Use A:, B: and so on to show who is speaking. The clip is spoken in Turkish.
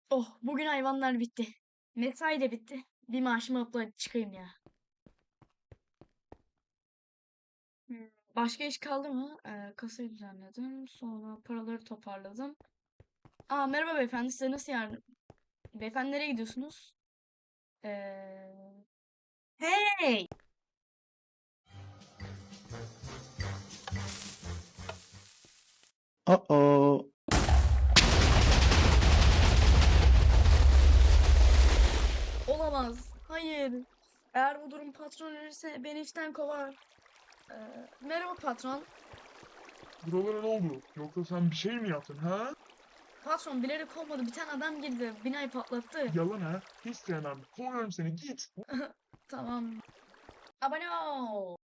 A: Oh, bugün hayvanlar bitti. Mesai de bitti. Bir maaşımı alıp da çıkayım ya. Başka iş kaldı mı? Kasayı düzenledim. Sonra paraları toparladım. Merhaba beyefendi. Size nasıl yardım? Beyefendi nereye gidiyorsunuz? Hey!
B: Uh-oh.
A: Olamaz. Hayır. Eğer bu durum patron öğrenirse beni işten kovar. Merhaba patron.
C: Buralara ne oldu? Yoksa sen bir şey mi yaptın ha?
A: Patron bilerek olmadı. Bir tane adam girdi. Binayı patlattı.
C: Yalan ha? Hiç sevmem. Kovuyorum seni git.
A: Tamam. Abone ol.